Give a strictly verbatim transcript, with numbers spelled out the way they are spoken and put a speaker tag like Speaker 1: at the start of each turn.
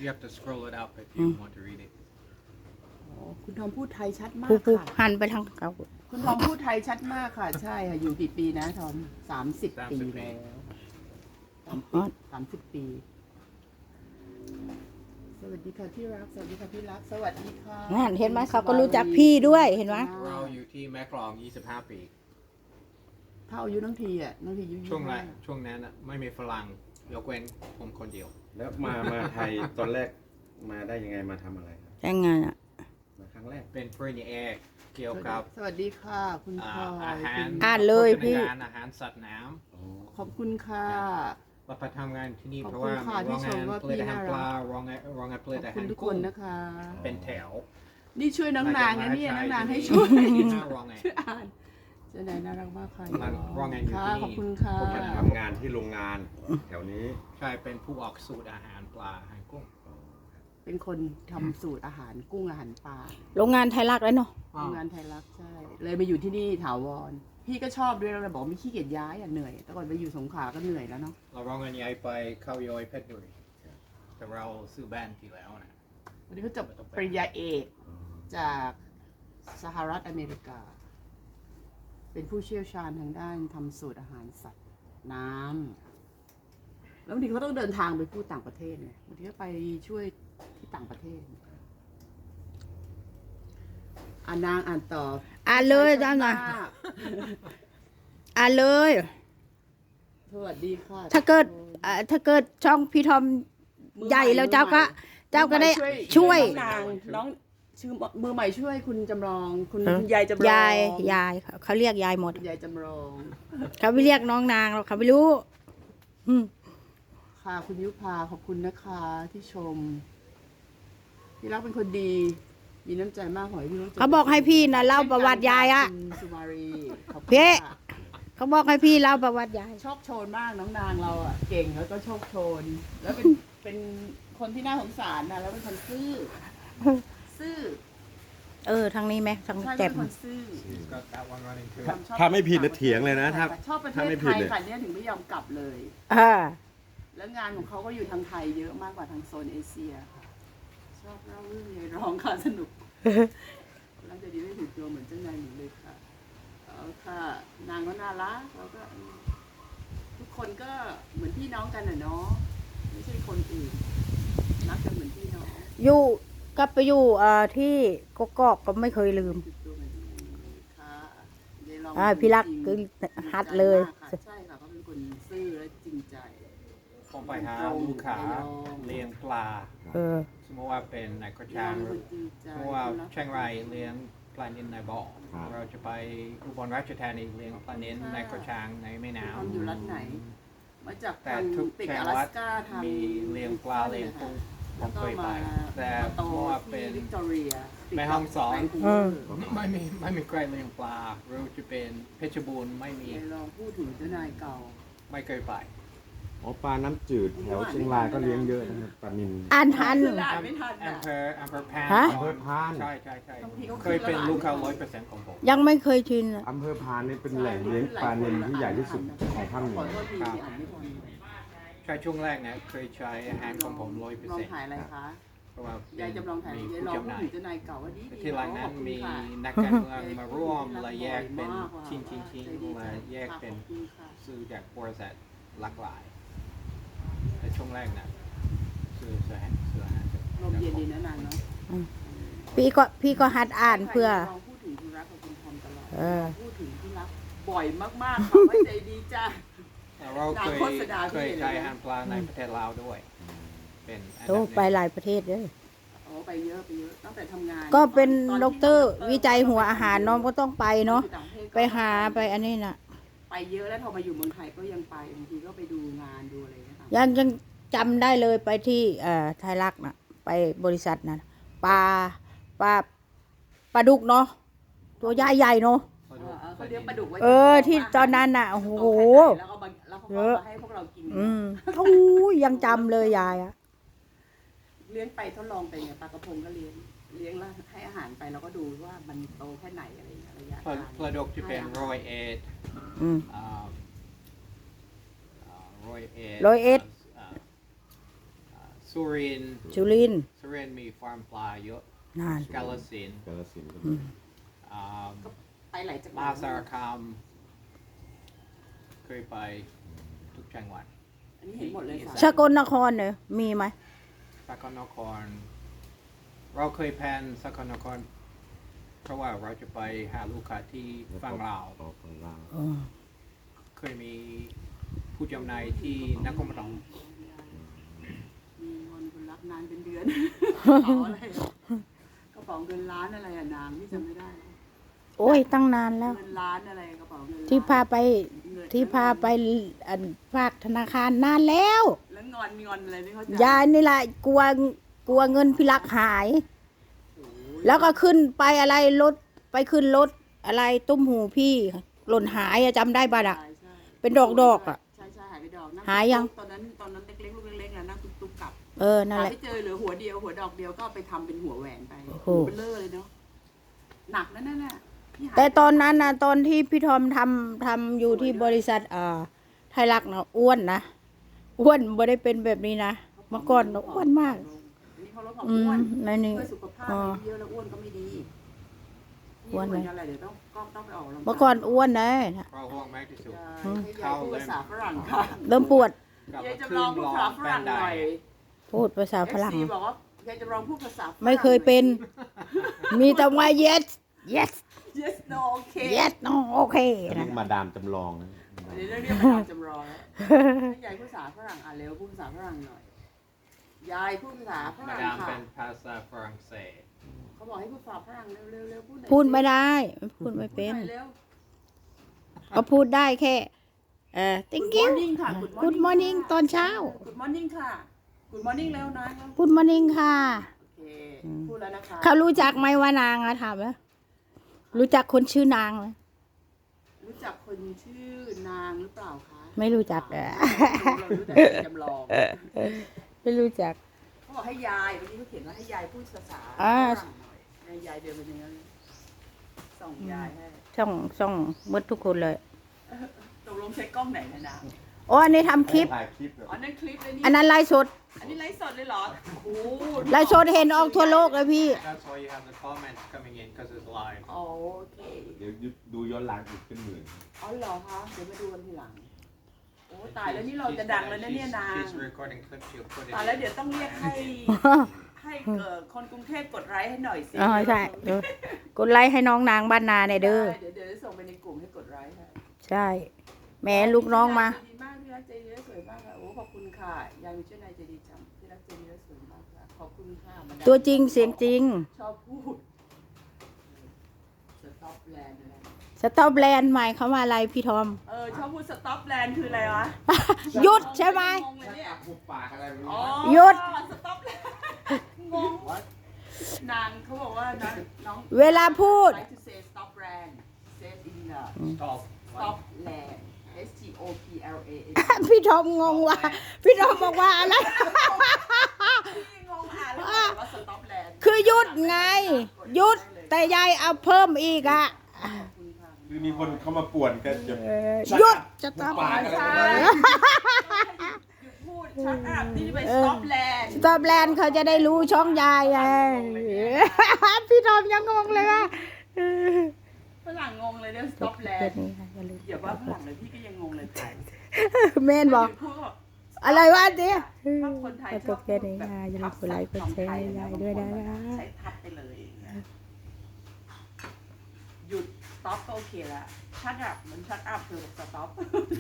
Speaker 1: You have to scroll it up if you want to read it.
Speaker 2: คุณทอมพูดไทยชัดมาก
Speaker 3: ผู้ผู้
Speaker 2: ค่ะ
Speaker 3: หันไปทางเขา
Speaker 2: คุณทอมพูดไทยชัดมากค่ะ ใช่ค่ะ อยู่กี่ปีนะทอมสามสิบปีแล้วสามสิบสามสิบปี สวัสดีค่ะที่รัก สวัสดีค่ะที่รัก สวัสดีค่ะ
Speaker 3: นั่นเห็นไหมเขาก็รู้จักพี่ด้วยเห็นไหม
Speaker 1: เราอยู่ที่แม่กลองยี่สิบห้าปี
Speaker 2: เท่าอายุน้องทีอ่ะน้องทีอายุ
Speaker 1: ช่วงแรกช่วงนั้นน่ะไม่มีฝรั่งยกเว้นผมคนเดียว
Speaker 4: แล้วมามาไทยตอนแรกมาได้ยังไงมาทำอะไรครับ
Speaker 3: ยังไงอ่ะ
Speaker 4: มาครั้งแรก
Speaker 1: เป็นปริญญาเอกเกี่ยวกับ
Speaker 2: สวัสดีค่ะ คุณ
Speaker 1: อ่า
Speaker 2: พลอ
Speaker 1: อาย หาร
Speaker 2: คุณ
Speaker 3: อ่านเลยพี่
Speaker 1: โภชนาการอาหารสัตว์น้
Speaker 4: อ๋อ
Speaker 2: ขอบคุณค่ะ
Speaker 1: ำเราไปทำงานที่นี่
Speaker 2: ขอบ
Speaker 1: เพราะ
Speaker 2: คุณ
Speaker 1: ว่า
Speaker 2: ค่ะ
Speaker 1: มี
Speaker 2: ที่
Speaker 1: โรง
Speaker 2: ช
Speaker 1: งาม น
Speaker 2: ว่า
Speaker 1: ผลิต
Speaker 2: พี่
Speaker 1: อาหาร
Speaker 2: น่า
Speaker 1: ป
Speaker 2: รั
Speaker 1: ลาก โรงงานโรงงานผลิต
Speaker 2: ขอบ
Speaker 1: อา
Speaker 2: คุ
Speaker 1: หา
Speaker 2: ณ
Speaker 1: ร
Speaker 2: ทุกค
Speaker 1: กุ้
Speaker 2: น
Speaker 1: ง
Speaker 2: นะคะ
Speaker 1: เป็นแถว
Speaker 2: นี่ช่วยน้องนางนะเนี่ยน้องนางให้ช่
Speaker 1: ช่
Speaker 2: ว
Speaker 1: วย ยห้าโรงงาน
Speaker 2: ช่วยอ่านเจะไหนน่ารักมากค่ะ
Speaker 1: มันว่าไงอยู่
Speaker 2: ค่ะ
Speaker 1: ที่นี่
Speaker 2: ขอบคุณค่ะ
Speaker 4: ผมมาทำงานที่โรงงานแถวนี้
Speaker 1: ใช่เป็นผู้ออกสูตรอาหารปลาอาหารกุ้ง
Speaker 2: เป็นคนทำสูตรอาหารกุ้งอาหารปลา
Speaker 3: โรงงานไทยรักแล้วเนาะ
Speaker 2: โรงงานไทยรักใช่ เลยมาอยู่ที่นี่ถาวร พี่ก็ชอบด้วยแล้วเลยบอกไม่ขี้เกียจย้ายอ่ะเหนื่อย แต่ก่อนไปอยู่สงขลาก็เหนื่อยแล้วเนาะ
Speaker 1: เราโรงงานย้ายไปเข้าย้อยเพชรบุรีแต่เราซื้อบ้านที่แล้วนะ
Speaker 2: วันนี้เขาจบปริญญาเอกจากสหรัฐอเมริกา เป็นผู้เชี่ยวชาญทางด้านทำสูตรอาหารสัตว์น้ำแล้วบางทีเขาต้องเดินทางไปพูดต่างประเทศเนี่ยบางทีก็ไปช่วยที่ต่างประเทศอ่านนางอ่านต่อ
Speaker 3: อ่านเลยจ้าหน่อยอ่านเลย
Speaker 2: สวัสดีค่ะ
Speaker 3: ถ้าเกิดอ่าถ้าเกิดช่องพี่ทอมใหญ่แล้วเจ้าก็เจ้าก็ได้ช่วย
Speaker 2: น้องนางน้องชื่อมือใหม่ช่วยคุณจำลอง คุณ
Speaker 3: เออ
Speaker 2: คุณยายจำลอง
Speaker 3: ยายยายเขาเขาเรียกยายหมด
Speaker 2: คุณยายจำลอง
Speaker 3: เขาไม่เรียกน้องนางหรอกเขาไม่รู้อืม
Speaker 2: ค่ะคุณยุพาขอบคุณนะคะที่ชมพี่รักเป็นคนดี มีน้ำใจมากขอให้พี่รู้จั
Speaker 3: เขาบอกให้พี่นะเล่าประวัติยายอะ
Speaker 2: คุณสุมารีขอบคุณ
Speaker 3: พี่
Speaker 2: ค่ะ
Speaker 3: เขาบอกให้พี่เล่าประวัติยาย
Speaker 2: โชคโชนมากน้องนางเราอ่ะเก่งแล้วก็โชคโชน แล้วเป็นเป็นคนที่น่าสงสารนะแล้วเป็นคนซื่อซื่อ
Speaker 3: เออทางนี้ไหมทาง
Speaker 2: ใช่
Speaker 3: แจ่
Speaker 2: เป็
Speaker 3: ม
Speaker 2: นคนซื่อ
Speaker 1: ก็ that one running too
Speaker 2: ความชอบ
Speaker 4: ถ้าไม่ผิดนะเถียงเลยนะถ้า
Speaker 2: ชอบประเท
Speaker 4: ถ้า
Speaker 2: ศ
Speaker 4: ไม่
Speaker 2: ไท
Speaker 4: ผิด
Speaker 2: ย
Speaker 4: เลย
Speaker 2: ค่ะเนี่ยถึงไม่ยอมกลับเลย
Speaker 3: อ่า
Speaker 2: แล้วงานของเขาก็อยู่ทางไทยเยอะมากกว่าทางโซนเอเชียค่ะ ชอบเล่าเรื่องยายร้องค่ะสนุกแล้วจะดีไม่ถึงตัวเหมือนเจ้านายหนูเลยค่ะเอาค่ะ นางก็น่ารักแล้วก็ทุกคนก็เหมือนพี่น้องกันน่ะเนาะไม่ใช่คนอื่นรักกันเหมือนพี่น้อง
Speaker 3: อยู่กลับไปอยู่เอ่อที่กกอกก็ไม่เคยลืม
Speaker 2: ติดตัวเหมือนกันค่ะยายร้อง
Speaker 3: อ่าพี่รักก็ฮัดเลย
Speaker 2: จริงใจมากค่ะใช่ค่ะเขาเป็นคนซื่อและจริงใจ
Speaker 1: ผมไปหาลูกค้าเลี้ยงปลา
Speaker 3: เออ
Speaker 1: สมมติว่าเป็นในกระ
Speaker 2: ย
Speaker 1: ชั
Speaker 2: อง มเป็นคนจริงใจ
Speaker 1: สมมติว่าเชียงรายเลี้ยงปลานิลในบ่อ
Speaker 4: ครับ
Speaker 1: เราจะไปอุบลราชธานีเลี้ยงปลานิลในกระชังในแม่น้
Speaker 2: ทำอยู่รัฐไหน มาจาก
Speaker 1: ำแต่
Speaker 2: ทาง
Speaker 1: ทุก
Speaker 2: ติด
Speaker 1: จั
Speaker 2: อ
Speaker 1: ง
Speaker 2: ลา
Speaker 1: หวัด
Speaker 2: สก้าทาง
Speaker 1: มีเลี้ยงปลาเลี้ยงกุ้งผ
Speaker 2: แล้ว
Speaker 1: ม
Speaker 2: ก็
Speaker 1: เคยไป
Speaker 2: มา
Speaker 1: แต่
Speaker 2: มาโต
Speaker 1: เพราะว่าเป็
Speaker 2: ที่
Speaker 1: น
Speaker 2: วิกตอเรียติด
Speaker 1: แม่ฮ่องสอน
Speaker 2: แวคูเว
Speaker 3: เอ
Speaker 2: อ
Speaker 3: อ
Speaker 2: ร์
Speaker 1: ไม่มีไม่มีใครเลี้ยงปลาเราจะเป็นเพชรบูรณ์ไม่มี
Speaker 2: ยายลองพูดถึงเจ้านายเก่า
Speaker 1: ไม่เคยไป
Speaker 4: อ๋อปลาน้ำจืดแถวเชียงรายก็เลี้ยงเยอะนะครับปลานิล
Speaker 3: อ่านทัน
Speaker 2: อ่านไม่ทัน
Speaker 1: อำ
Speaker 2: อ่ะ
Speaker 1: เภออำเภอพาน
Speaker 3: ฮะ
Speaker 4: อำเภอพาน
Speaker 1: ใช่ใช่ใช่
Speaker 2: บางทีเขา
Speaker 1: เคยเป็น
Speaker 2: ขึ้นแล้ว
Speaker 1: ลูกค้า
Speaker 2: อ่านไม่ทัน
Speaker 1: ร้อยเปอร์เซ็นต์ของผม
Speaker 3: ยังไม่เคยชินอะ
Speaker 4: อำเภอพานนี่เป็นแหล่งเลี้ยงปลานิลที่ใหญ่ที่สุดของภาคเหนื
Speaker 2: ขอ
Speaker 4: อ
Speaker 2: โทษทีที่อ่านไม่ทัน
Speaker 1: ใช่ช่วงแรกนะเคยใช้อาหารของผมร้อยเปอร์
Speaker 2: ลอง
Speaker 1: เซ็นต์
Speaker 2: ถ่ายอะไรคะ
Speaker 1: เพราะว่าย
Speaker 2: ายจำลองถ่าย
Speaker 1: มี
Speaker 2: ยาย
Speaker 1: ผู้
Speaker 2: ลอง
Speaker 1: จำห
Speaker 2: พูด
Speaker 1: น่าย
Speaker 2: ถึงเจ้านายเก่าว่าดีดี
Speaker 1: ที่หลังนั้น
Speaker 2: ขอบคุณ
Speaker 1: มี
Speaker 2: ค่ะ
Speaker 1: นักการเมืองมาร่วมและแยกเป็นชิ้นชิ้นชิ้นมาแยกเป็น
Speaker 2: ขอบคุณค่ะ
Speaker 1: ซื้อจากบริษัทหลากหลายแต่ช่วงแรกนะซื้อซื้ออาหารซื้ออาหารจาก
Speaker 2: ลมเย็นดีนะนางเนาะ
Speaker 3: พี่ก็พี่ก็หัดอ่านเพื่อ
Speaker 2: ลองพูดถึงคุณรักกับคุณทอมตลอด
Speaker 3: เออ
Speaker 2: พูดถึงที่รักบ่อยมากๆค่ะว่าใจดีจ้า
Speaker 1: เราเคย
Speaker 2: โฆษณาพี่
Speaker 1: เคย
Speaker 2: เลยนะ
Speaker 1: ใช้อาหารปลาในประเทศลาวด้วย เป็นอัน
Speaker 3: โต
Speaker 1: ดับหนึ่ง
Speaker 3: ไปหลายประเทศเลย
Speaker 2: โอ้ไปเยอะไปเยอะตั้งแต่ทำงาน
Speaker 3: ก็เป็น
Speaker 2: ต
Speaker 3: ด็
Speaker 2: ที่
Speaker 3: อกเตอร์วิจัยหัวอาหารน้องก็ต้องไปเนาะ
Speaker 2: อยู่ต่งประทศก็
Speaker 3: ไปหาไปอันนี้น่ะ
Speaker 2: ไปเยอะแล้วพอมาอยู่เมืองไทยก็ยังไปบางทีก็ไปดูงานดูอะไรนะคะ
Speaker 3: ยังยังจำได้เลยไปที่เอ่อไทยรักน่ะ ไปบริษัทน่ะปลาปลาปลาดุกเนาะตัวใหญ่ใหญ่ๆเนาะ
Speaker 2: เออเออเขาเลี้ยงปลาดุกไว้
Speaker 3: เออที่ตอนนั้นน่ะโอ้โห
Speaker 2: แล้วก็มาแล้วเขา
Speaker 3: เย
Speaker 2: ก็
Speaker 3: อะ
Speaker 2: มาให้พวกเรากิน
Speaker 3: อืมโอ้ยยังจำเลยยายอะ
Speaker 2: เลี้ยงไปทดลองไปไงปลากระพงก็เลี้ยงเลี้ยงแล้วให้อาหารไปแล้วก็ดูว่ามันโตแค่ไหนอะไรอย่างเงี้ยระยะ
Speaker 1: ปลา
Speaker 2: การ
Speaker 1: ปลาดุกจะเป็นร้อยเอ็ด
Speaker 3: อืม
Speaker 1: อ่าอ่าร้อยเอ็ด
Speaker 3: ร้อยเอ็ด
Speaker 1: อ่าอ่าสสุรินทร์
Speaker 3: จุรินทร์
Speaker 1: สุรินทร์มีฟาร์มปลาเยอะ
Speaker 3: นาน
Speaker 1: กาฬสินธุ์
Speaker 4: กาฬสินธุ์ก็
Speaker 3: อื
Speaker 4: มี
Speaker 3: ม
Speaker 1: อ่า
Speaker 2: ไปหลายจังห
Speaker 1: ม
Speaker 2: วั
Speaker 1: หา
Speaker 2: ด
Speaker 1: สารคามเคยไปทุกจังหวัด
Speaker 2: อันนี้เห็นหมดเลยค่ะ
Speaker 3: สกลนครเนี่ยมีไหม
Speaker 1: สกลนคร เราเคยแพลนสกลนคร เพราะว่าเราจะไปหาลูกค้าที่ฝั่งลาว
Speaker 4: ออกฝั่งลาว
Speaker 3: อ๋อ
Speaker 1: เคยมีผู้จำหน่ายที่นครปฐม
Speaker 2: มีเงินคนรับนานเป็นเดือนกระเป๋าอะไรอะกระเป๋าเงินล้านอะไรอะนางที่จำไม่ได้แล้ว
Speaker 3: โอ้ยตั้งนานแล้ว
Speaker 2: เงินล้านอะไรกระเป๋าเงินล้น
Speaker 3: ที่พาไป
Speaker 2: เงิน
Speaker 3: ที่พาไปอันฝากธนาคารนานแล้ว
Speaker 2: แล้วงอนงอนอะไรไม่เข้าใจ
Speaker 3: ยายนี่แหละกลัวกลัวเงินพิลักหาย
Speaker 2: โอ้ย
Speaker 3: แล้วก็ขึ้นไปอะไรรถไปขึ้นรถอะไรตุ้มหูพี่หล่นหายอะจำได้ป่ะอะ
Speaker 2: ใช่ใช่
Speaker 3: เป็นดอกดอกๆอะ
Speaker 2: ใช่ใช่หายไปดอกนั่ง
Speaker 3: หายยัง
Speaker 2: ตอนนั้นตอนนั้นเล็กๆลูกเล็กๆนะนั่งตุ๊กๆกลับ
Speaker 3: เออนั่น
Speaker 2: หา
Speaker 3: แหละ
Speaker 2: ไม่เจอเหลือหัวเดียวหัวดอกเดียวก็เอาไปทำเป็นหัวแหวนไป
Speaker 3: โอ้โห
Speaker 2: หัวเบลอเลยเนาะหนักนั่นน่ะพี่หา
Speaker 3: แต่ตอนนั้นนะตอนที่พี่ทอมทำทำอยู่ที่บริษัทเอ่อไทยรักนะอ้วนนะอ้วนไม่ได้เป็นแบบนี้นะเมื่อก่อนนะอ้วนมาก
Speaker 2: อันนี้เขาลดความ
Speaker 3: อื
Speaker 2: อ้วน
Speaker 3: มในนี้
Speaker 2: เพื่อสุขภาพ
Speaker 3: อ๋อ
Speaker 2: เยอะแล้วอ้วนก็ไม่ดี
Speaker 3: อ้วนไหม
Speaker 2: เหมือนกันแหละเดี๋ยวต้องก็ต้องไปออกกำลังกาย
Speaker 3: เมื่อก่อนอ้วนนะ
Speaker 1: เราห่วงมากที่สุด
Speaker 2: ใช่ให้ยายพูดภาษาฝรั่งค่ะ
Speaker 3: เริ่มปวด
Speaker 1: กลับ
Speaker 2: ยาย
Speaker 1: มา
Speaker 2: จะ
Speaker 1: ขึ้
Speaker 2: ล
Speaker 1: น
Speaker 2: องพูด
Speaker 1: ลอ
Speaker 2: ภาษาง ฝ
Speaker 1: แบ
Speaker 2: รั่
Speaker 1: น
Speaker 2: ง
Speaker 1: ได
Speaker 2: หน่อย
Speaker 3: พูดภาษาฝรั่ง
Speaker 2: เอฟซีบอกว่ายายจะลองพูดภาษาฝรั่ง
Speaker 3: ไม่เคยเป็น มีแต่ว่า yes yes
Speaker 2: yes no okay
Speaker 3: yes no โอเค
Speaker 4: อัน
Speaker 3: นะ
Speaker 4: นี้มาดามจำลองนะ
Speaker 2: เดี๋ยวเรื่องนี้มาจำลองแล้วให้ยายพูดภาษาฝรั่งอ่ะเร็วพูดภาษาฝรั่งหน่อย ยายพูดภาษาฝ
Speaker 1: มา
Speaker 2: รั่ง
Speaker 1: ดาม
Speaker 2: ค่ะ
Speaker 1: เป็นภาษาฝรั่งเศส
Speaker 2: เขาบอกให้พูดภาษาฝรั่งเร็วเร็วเร็วพูดหน่อย
Speaker 3: พูดไม่ได้พูดไม่เป็น
Speaker 2: พูดหอยเร็ว
Speaker 3: ก็พูดได้แค่เอ่อ thank
Speaker 2: Good
Speaker 3: you
Speaker 2: morning ค่ะ
Speaker 3: good morning ตอนเช้า
Speaker 2: Good morning ค่ะ Good morning เร็วนะ
Speaker 3: good morning ค่ะ
Speaker 2: โอเคพูดแล้วนะคะ
Speaker 3: เขารู้จักไหมว่านางอะถามว่ารู้จักคนชื่อนางไหม
Speaker 2: รู้จักคนชื่อนางหรือเปล่าคะ
Speaker 3: ไม่รู้จักอะ
Speaker 2: เรารู้แต่จำลอง
Speaker 3: ไม่รู้จัก
Speaker 2: เขาบอกให้ยายวันนี้เขาเขียนว่าให้ยายพูดภาษา
Speaker 3: อ่า
Speaker 2: ฝรั่งหน่อยให้ยายเดินไปอย่างนั้นเลยส่งยายให้
Speaker 3: ช่องช่องหมดทุกคนเลย
Speaker 2: ตกลงใช้กล้องไหนนะนะ
Speaker 3: โอ้อันนี้ทำคลิป
Speaker 4: ถ่ายคลิปแบบ
Speaker 2: อ๋อนั่นคลิปเลยนี่
Speaker 3: อันนั้นไลฟ์สด
Speaker 2: อันนี้ไลฟ์สดเลยเหรอโอ้โห
Speaker 3: ไลฟ์สดเห็นออกทั่วโลกเลยพี่
Speaker 1: That's why you have the comments coming in because it's live
Speaker 2: โอเค
Speaker 4: เดี๋ยวดูย้อนหลังอีกเป็นหมื่น
Speaker 2: อ๋อเหรอคะเดี๋ยวมาดูกันทีหลังโอ้ตายแล้วนี่เราจะดังแล้วนะเนี่ยนาง
Speaker 1: She's recording clips she'll put it
Speaker 2: ตายแล้วเดี๋ยวต้องเรียกให้ ให้เอ่อคนกรุงเทพกดไลค์ให้หน่อยสิ
Speaker 3: อ๋อใช่เดี๋ยวกดไลค์ให้น้องนางบ้านนาเนี่ยเด้อ
Speaker 2: ได้เดี๋ยวเดี๋ยวส่งไปในกลุ่มให้กดไลค์ให้
Speaker 3: ใช่แหม่ลูกน้องมา
Speaker 2: ใจดีมากที่รักใจดีและสวยมากค่ะโอ้ขอบคุณค่ะยายมีชื่อนายใจดีจังที่รักใจดีและสวยมากค่ะขอบคุณค่ะมาดาม
Speaker 3: ตัวจริงเสียงจริง
Speaker 2: ชอบพูดสต็อปแลนด์อะไร
Speaker 3: สต็อปแลนด์ใหม่เขามาอะไรพี่ทอม
Speaker 2: เออชอบพูดสต็อปแลนด์คืออะไรวะ
Speaker 3: หยุดใช่ไหม
Speaker 2: งงเลยเนี่ย
Speaker 4: ปุบปากอะไรไม่
Speaker 2: อ๋
Speaker 4: รู้
Speaker 2: อ
Speaker 3: หยุด
Speaker 2: สต็อปแลนด์งงนางเขาบอกว่าน้องน้อง
Speaker 3: เวลาพูด
Speaker 2: like to say stop brand say in the
Speaker 1: stop
Speaker 2: stop land S T O P L A N
Speaker 3: พี่ทอมงงว่า พี่ทอมบอกว่าอะไร
Speaker 2: พี่งงอ่านแล้วบอกว่า stop land
Speaker 3: คือหยุดไงหยุดแต่ยายเอาเพิ่มอีกอะ
Speaker 2: ขอบคุณค่ะ
Speaker 4: คือมีคนเข้ามาป่วนก็จะ
Speaker 3: เออหยุดจะต้อง
Speaker 4: ปากอะไร
Speaker 2: ใช่
Speaker 4: ไม่รู้
Speaker 2: หยุดพูดชัดอัพนี่ไป stop land
Speaker 3: สต็อปแลนด์เขาจะได้รู้ช่องยายไงพี่ทอมยังงงเลยว่า
Speaker 2: ฝรั่งงงเลยเนี่ย stop
Speaker 3: เพื่
Speaker 2: land
Speaker 3: นี้ค่ะอย่าลืม
Speaker 2: อย่าว่าฝรั่งเลยพี่ก็ยังงงเลยถ่าย
Speaker 3: เมนบอก
Speaker 2: พูดว่า
Speaker 3: อะไรวะเจ๊
Speaker 2: ถ้าคนไทยช
Speaker 3: จ
Speaker 2: อบบ
Speaker 3: แค่นี้ค่ะอย่าลืมกดไลค์กดแชร์ให้ยายด้วยนะคะ
Speaker 2: ใช้ทับไปเลยอย่างเงี้ยหยุด stop ก็โอเคละ shut up เหมือน shut up คือ stop